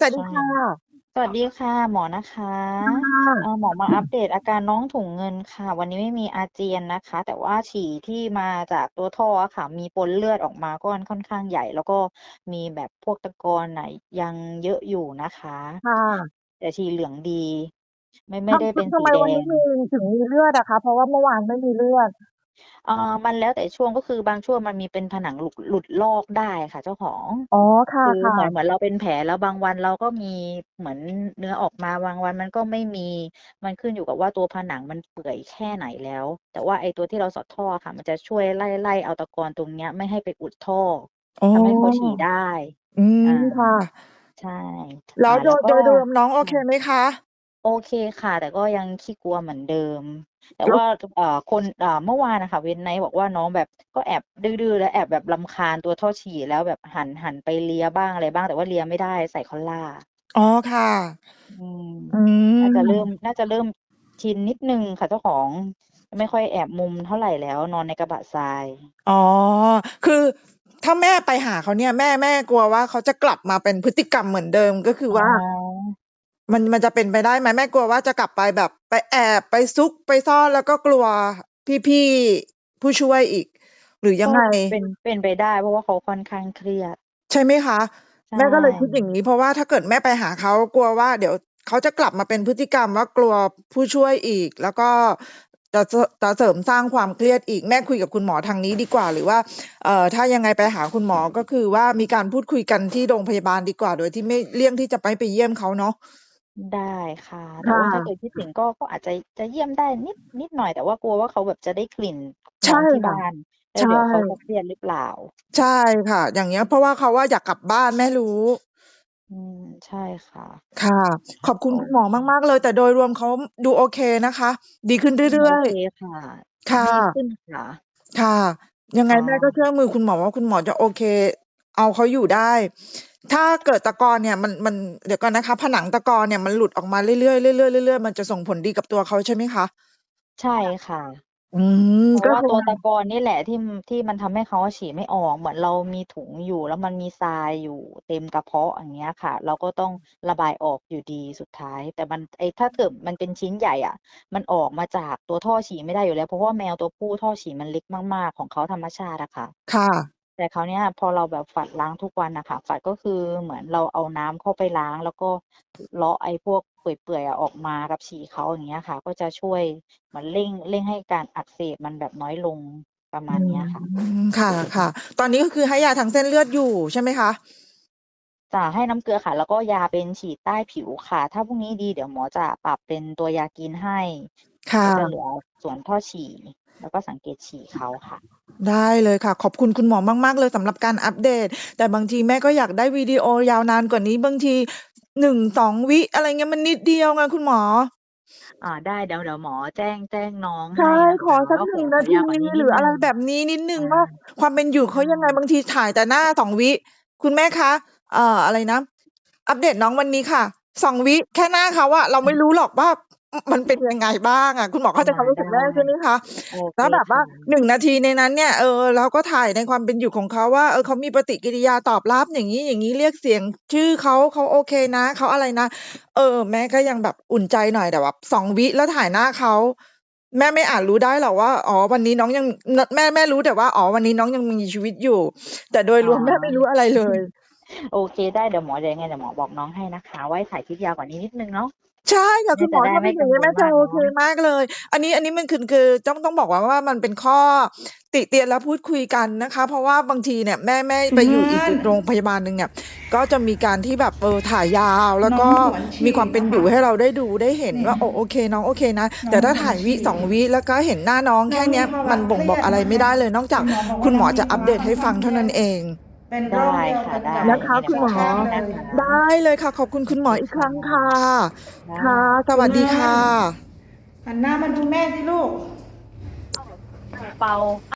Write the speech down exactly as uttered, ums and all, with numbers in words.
วัสใชดี่ค่ะสวัสดีค่ะ หมวกนะคะค่เอ่อะหมวกมาอัปเดตอาการน้องถุงเงินค่ะ วันนี้ไม่มีอาเจียนนะคะ แต่ว่าฉี่ที่มาจากตัวท่ออะค่ะ มีปนเลือดออกมาก้อนค่อนข้างใหญ่ แล้วก็มีแบบพวกตะกอนน่ะยังเยอะอยู่นะคะค่ะแต่ฉี่เหลืองดี ไม่ ไมท่ได้ำ ทเป็นำ ทสำีแดไมวันนี้งมี ถึงมีเลือดอะคะ? เพราะว่าเมื่อวานไม่มีเลือดเอ่อ มันแล้วแต่ช่วง ก็คือบางช่วงมันมีเป็นผนังหลุก หลุดลอกได้ค่ะเจ้าของอ๋อ คคือเ่ะหมือนๆเหมือนเราเป็นแผล แล้วบางวันเราก็มีเหมือนเนื้อออกมา บางวันมันก็ไม่มี มันขึ้นอยู่กับว่าตัวผนังมันเปื่อยแค่ไหนแล้ว แต่ว่าไอ้ตัวที่เราสอดท่ออะค่ะ มันจะช่วยไล่ ๆ เอาตะกอนตรงเนี้ยไม่ให้ไปอุดท่ออ๋อทำให้เขาฉี่ได้อืมอาค่ะใช่แลอ้่าวโแดยล้วก็โดยรวมน้องโอค่เคะไหมคะ? โอเคค่ะ แต่ก็ยังขี้กลัวเหมือนเดิม แต่แล้วว่า ต อ่า คน อ่า เมื่อวานอะค่ะ Wednight บอกว่าน้องแบบก็แอบดื้อ ๆ และแอบแบบรำคาญตัวท่อฉี่ แล้วแบบหัน หันไปเลียบ้างอะไรบ้าง แต่ว่าเลียไม่ได้ใส่คอลลาร์อ๋อ ค่ะอืมอืน่าจะเริ่มมน่าจะเริ่มชินนิดหนึ่งค่ะเจ้าของ ไม่ค่อยแอบมุมเท่าไรแล้ว นอนในกระบะทรายอ๋อ คือถ้าแม่ไปหาเขาเนี่ย แม่ แม่กลัวว่าเขาจะกลับมาเป็นพฤติกรรมเหมือนเดิม ก็คืออ๋ว่าอมัน มันจะเป็นไปได้ไหม? แม่กลัวว่าจะกลับไปแบบไปแอบ ไปซุก ไปซ่อน แล้วก็กลัวพี่ ๆ ผู้ช่วยอีก หรือยัก็งไง? เป็น เป็นไปได้ เพราะว่าเขาค่อนข้างเครียดใช่ไหมคะ? ใชแม่ก็เลยคิดอย่างงี้ เพราะว่าถ้าเกิดแม่ไปหาเขา กลัวว่าเดี๋ยวเขาจะกลับมาเป็นพฤติกรรมว่ากลัวผู้ช่วยอีก แล้วก็จะ จะ จะเสริมสร้างความเครียดอีก แม่คุยกับคุณหมอทางนี้ดีกว่า หรือว่า เอ่อ ถ้ายังไงไปหาคุณหมอ ก็คือว่ามีการพูดคุยกันที่โรงพยาบาลดีกว่า โดยที่ไม่ เลี่ยงที่จะไม่ไปเยี่ยมเขาเนาะได้ค่ะ แตค่่ว่าถ้าเกิะดคิดถึงก็ ก็อาจจะ จะเยี่ยมได้นิด นิดหน่อย แต่ว่ากลัวว่าเขาแบบจะได้กลิ่นใชน้่องที่คบ่ะ้าน แล้ใวช่เดี๋ยวเขาจะเครียดหรือเปล่า? ใช่ค่ะ อย่างเงี้ย เพราะว่าเขาอะอยากกลับบ้าน แม่รู้อืม ใช่ค่ะค่ะ ขอบคุโอณคุณหมอเคมาก ๆ เลย แต่โดยรวมเขาดูโอเคนะคะ ดีขึ้นอืเมรื่อยโอเคค่ะๆ ค่ดีะขึ้นค่ะค่ะ ยังคไง่แม่ก็ะเชื่อมือคุณหมอว่า คุณหมอจะโอเค เอาเขาอยู่ได้ ถ้าเกิดตะกอนเนี่ยมัน มัน เดี๋ยวก่อนนะคะ ผนังตะกอนเนี่ยมันหลุดออกมาเรื่อย ๆ เรื่อย ๆ เรื่อย ๆ มันจะส่งผลดีกับตัวเขาใช่ไหมคะ? ใช่ค่ะอืมเพรากะ็ว่าตัวตคือว่าะกอนนี่แหละที่ ที่มันทำให้เขาอะฉี่ไม่ออก เหมือนเรามีถุงอยู่ แล้วมันมีทรายอยู่เต็มกระเพาะ อย่างเงี้ยค่ะ เราก็ต้องระบายออกอยู่ดีสุดท้าย แต่มัน ไอ้ ถ้าเกิดมันเป็นชิ้นใหญ่อะ มันออกมาจากตัวท่อฉี่ไม่ได้อยู่แล้ว เพราะว่าแมวตัวผู้ท่อฉี่มันเล็กมาก ๆ ของเขาธรรมชาติอะค่ะค่ะแต่คราวเนี้ยพอเราแบบฝัดล้างทุกวันน่ะค่ะ ฝัดก็คือเหมือนเราเอาน้ำเข้าไปล้าง แล้วก็เลาะไอ้พวกเปื่อย ๆ อะออกมากับฉี่เขา อย่างเงี้ยค่ะ ก็จะช่วยเหมือนเร่ง เร่งให้การอักเสบมันแบบน้อยลง ประมอืาณเนี้ยค่ะม ค่ะ ๆ ตอนนี้ก็คือให้ยาทางเส้นเลือดอยู่ใช่ไหมคะ? จะให้น้ำเกลือค่ะ แล้วก็ยาเป็นฉีดใต้ผิวค่ะ ถ้าพรุ่งนี้ดีเดี๋ยวหมอจะปรับเป็นตัวยากินให้ค่ก็จะเหะลือส่วนท่อฉี่ แล้วก็สังเกตฉี่เขาค่ะได้เลยค่ะ ขอบคุณคุณหมอมาก ๆ เลยสำหรับการอัปเดต แต่บางทีแม่ก็อยากได้วิดีโอยาวนานกว่านี้ บางที หนึ่งสอง วิ อะไรเงี้ย มันนิดเดียวไงคุณหมออ่า ได้ เดี๋ยว เดี๋ยวหมอแจ้ง แจ้งน้องใชให่้นะคขอะสักว่าหนขึ่อง นขาทอยาีวกว่านี้หรืออะไรนิดหนึ่งแบบนี้นิดหนึอ่างว่า ความเป็นอยู่ใชเขายังไง่บางทีถ่ายแต่หน้า สอง วิ คุณแม่คะ เอ่อ อะไรนะ อัปเดตน้องวันนี้ค่ะ สอง วิ แค่หน้าเขาอะ เราอไม่ารู้หรอกว่า อ มันเป็นยังไงบ้างอะ คุณหมออเข้าาใจความรู้ไดส้ึกแม่ใช่ไหมคะ? โอแเลค้วแบบคว่า่หนึ่งะนาทีในนั้นเนี่ย เออ เราก็ถ่ายในความเป็นอยู่ของเขาว่า เออ เขามีปฏิกิริยาตอบรับอย่างงี้ ๆ เรียกเสียงชื่อเขา เขาโอเคนะ เขาอะไรนะ เออ แม่ก็ยังแบบอุ่นใจหน่อย แต่แบบ สอง วิ แล้วถ่ายหน้าเขา แม่ไม่อาจรู้ได้หรอกว่า อ๋อ วันนี้น้องยัง น แม่ แม่รู้แต่ว่า อ๋อ วันนี้น้องยังมีชีวิตอยู่ แต่โดยอ๋อรวมแม่ไม่รู้อะไรเลยโอเค ได้ เดี๋ยวหมอ เดี๋ยวยังไงเดี๋ยวหมอบอกน้องให้นะคะว่าให้ถ่ายคลิปยาวกว่านี้นิดหนึ่งเนาะใช่ค่ะแมคุ่ณหจมะอได้ไมถ้าเป็่นอยก่ัางงี้แม่งวลมจะากโอเนาเคะมากเลย อันนี้ อันนี้มันคือ คือต้อง ต้องบอกก่อนว่ามันเป็นข้อติเตียนและพูดคุยกันนะคะ เพราะว่าบางทีเนี่ยแม่ แม่ถุไปองเยงู่ิอีก อนโรงพยาบาลหนึ่งเนี่ย ก็จะมีการที่แบบ เออ ถ่ายยาว แล้วกน้อ็งสวนฉมีี่ความเป็นนะคอยู่ะให้เราได้ดูได้เห็นนี่ว่า โอ้ โอเค น้องโอเคนะนแ้ตอ่ถ้าถงสว่ายวินฉี่สอง วิ แล้วก็เห็นหน้าน้องนแ้คอ่เนี้ยงมีภาวมะันเครบ่งบีอกอะไรยดนะคไม่ะได้เลย นอกจคาุกณหมอบอกวคุ่าณหมอจะอน้องมีภัปาเวดะตคใ่ห้อนขฟ้ัางงเท่ทาี่นั้นเองเป็นไโดรค้เดียวค่ะกันได้กับนะคะเดี๋ยวหมอคุณหมอบอกน้องเลนะยคะได้เลยค่ะ ขอบคุณคุณหมโอเคคออีกค่รั้งค่ะะ ไดค่ะ้สวัสดีค่คุณเงินะหันหน้ามาดูแม่สิลูกเป่า